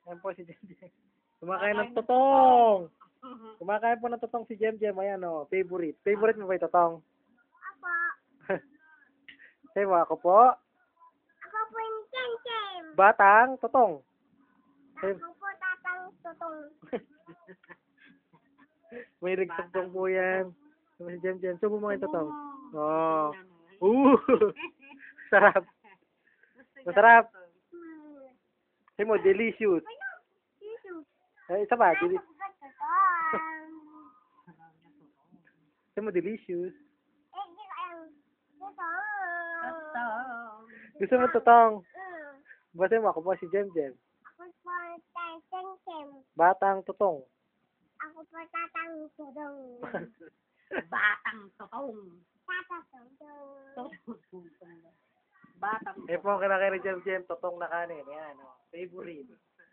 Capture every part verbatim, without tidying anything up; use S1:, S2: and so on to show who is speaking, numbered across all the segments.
S1: Ayan po si Jem Jem. Kumakain ng totong. Kumakain po ng totong si Jem Jem. Ayan o, favorite. Favorite mo ba yung totong?
S2: Apo.
S1: Sabi mo, ako po.
S2: Ako po yung Jem Jem.
S1: Batang totong. Sabi-
S2: Ako po tatang tutong.
S1: May totong po yan. Sabi si Jem Jem, subo mo yung totong. Oh. Uh. Sarap. Masarap.
S2: Hmm.
S1: Sabi mo, delicious.
S2: Ano? Tissue.
S1: Eh, isa ba?
S2: Ay,
S1: Deli-
S2: tutong.
S1: Sabi mo, delicious.
S2: Eh, di ko alam. Tutong.
S1: Gusto mo totong?
S2: Mm.
S1: Basta mo, ako po si Jem Jem.
S2: Ako po tatang Jem Jem.
S1: Batang totong.
S2: Ako po tatang tutong.
S3: Batang totong.
S2: Tatang tutong.
S3: Batang
S1: Eh po, kinakain ni Jem Jem, totong na kanin. Yan o. Favorite.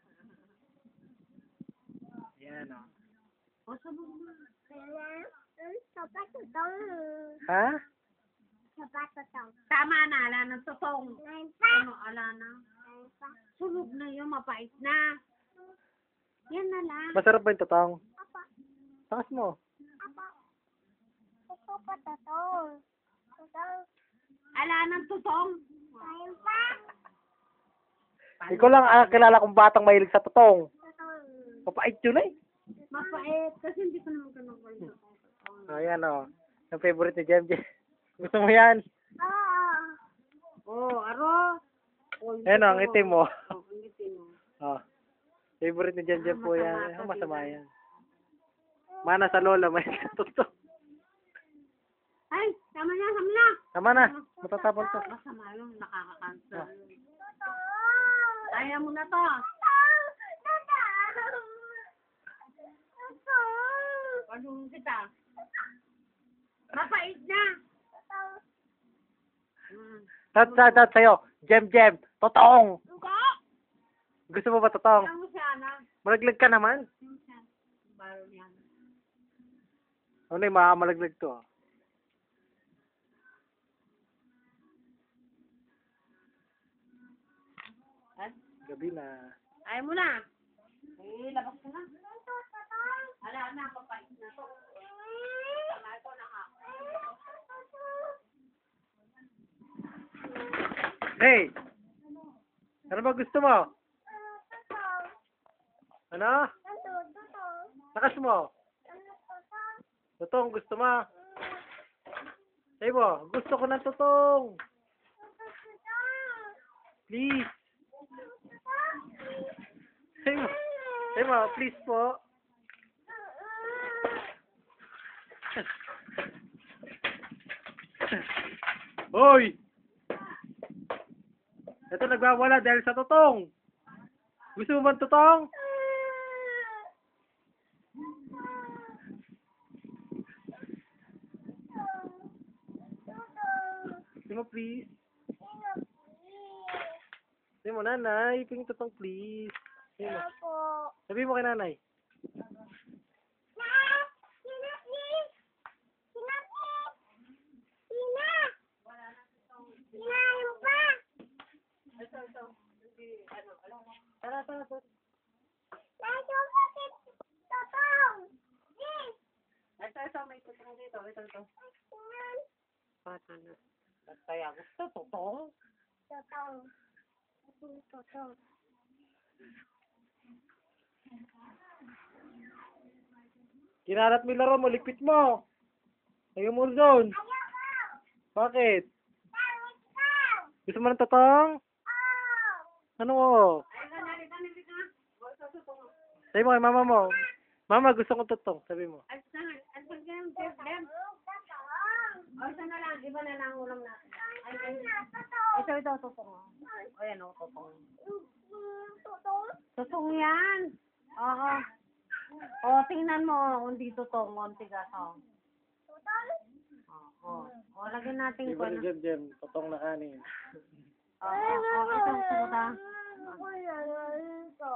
S1: Yan o.
S3: O, sabog mo.
S2: Ayan. Mm, sopa tutong.
S1: Ha?
S2: Sopa tutong.
S3: Tama na, ala ng totong.
S2: Ngayon pa.
S3: Ano, ala na.
S2: Ngayon pa.
S3: Sunog na yun, mapait na. Yan na lang.
S1: Masarap ba yung totong?
S2: Apa.
S1: Takas mo.
S2: Apa. Ito pa tutong. Tutong.
S3: Ala ng totong.
S2: Ngayon pa.
S1: Ikaw lang ang kilala kong batang mahilig sa totong.
S2: Tutong.
S1: Papait yun eh.
S3: Mapait. Kasi hindi ko naman ganun ko yung totong.
S1: Ayan o. Ang favorite ni Jem Jem. Gusto mo yan?
S2: Oo.
S3: Oh, aro. Oh, yung
S1: Ayan o, ang
S3: totoo.
S1: itim mo.
S3: Oh, ang itim mo.
S1: Oh. Favorite ni Jem Jem po
S3: Masama
S1: yan.
S3: ka,
S1: Ah, masama
S3: diba?
S1: yan. Mana sa lola, may totong.
S3: Ay, tama na, tama na.
S1: Tama na. Matatapon to.
S3: Masama yun, nakaka-cancel.
S1: Ah.
S2: Tutong.
S3: Kaya mo na to.
S2: Tutong. Tutong. Tutong.
S3: Pagdung kita. Mapait na.
S2: Tutong.
S3: Hmm.
S1: Tat, tat, tat, sa'yo. Jem Jem. Totong.
S2: Hindi.
S1: Gusto mo ba totong?
S3: Alam mo siya, na.
S1: Malaglag ka naman.
S3: Yung siya. Baro niya.
S1: Ano yung makamalaglag to? ah.
S3: Ay,
S1: Gabi na.
S3: ayaw mo na. Eh, labas ka na. Ala na, papait na to. Tama ito na nga.
S1: Hey! Ano ba gusto mo?
S2: Tutong.
S1: Ano?
S2: Tutong. Tutong.
S1: Takas mo.
S2: Tutong.
S1: Totong, gusto mo? Sabi mo, gusto ko ng totong. Please. Sabi mo, sabi mo, please po. Hoy! Ito nagwawala dahil sa totong. Gusto mo ba ng totong? Sabi mo, please. Sabi mo, nanay, ping totong please. Sabi mo,
S2: Opo.
S1: sabi mo kay nanay.
S2: Na! Sina, please! Sina, please! Sina! Sina, yung pa!
S3: Ito, ito. Hindi, ano, ano. Tara, tara, tara.
S2: Nasa bakit? Totong! Please!
S3: Ito, ito, may tutong dito. Ito, ito.
S2: Sina,
S3: Bata na. Kaya gusto, totong.
S2: totong. Totong.
S1: Kinarat mo yung laro mo, likpit mo. Ayaw mo zone.
S2: Ayoko!
S1: Bakit?
S2: Tawid ka!
S1: Gusto mo ng totong?
S2: Oh!
S1: Ano mo?
S3: Ay, kanali, kanali ka. O, ito, tutong.
S1: Sabi mo kay mama mo. Mama, gusto ko totong. Sabi mo.
S3: Ay, saan? Ay, saan ka yung Jeff, Dem?
S2: Totong!
S3: O, isa na lang. Iba na lang ang ulam natin. Ay, ay.
S2: Totong!
S3: Ito, ito, tutong. O, yan, o, tutong.
S2: Totong?
S3: Tutong yan. Oo. O, tingnan mo. Hindi tutong. Munti ka, o.
S2: Totong?
S3: O, o, lagyan natin ko.
S1: Iba ni Jem Jem, totong na kanin.
S3: O, o, o, ito, ito, ito.
S2: Wala na ito.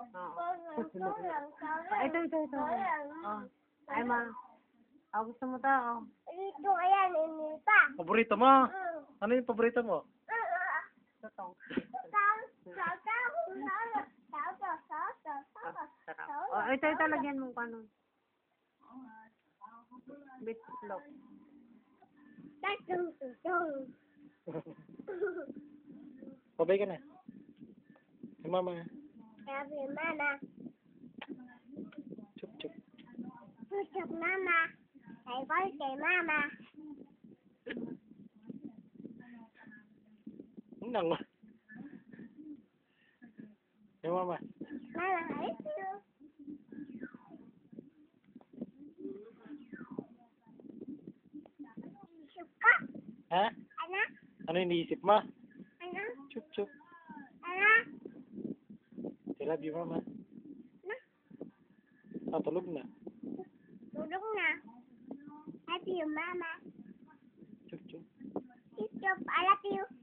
S3: Ito, ito, ito. O, ay, ma. O, gusto mo ta, o.
S2: Ito, ayan, ini pa.
S1: Paborito mo? Ano yung paborito mo?
S3: Tutong.
S2: Totong. Totong. Totong. Totong. Totong.
S3: ito, ito, lagyan mo ka nun. Bitlog.
S2: Tatong tutong.
S1: Pabay ka na. Si mama.
S2: Sabi mama,
S1: Chup, chup.
S2: tutok mama. Say birthday mama.
S1: Nang. Si mama.
S2: Mama, I love you. Suka.
S1: Ha?
S2: Anak,
S1: Ano iniisip mo?
S2: anak,
S1: Chup, chup.
S2: anak.
S1: I love you, mama.
S2: Na,
S1: Ah, tulog na.
S2: tulog na. Love you mama.
S1: Chup, chup.
S2: Tutok, I love you.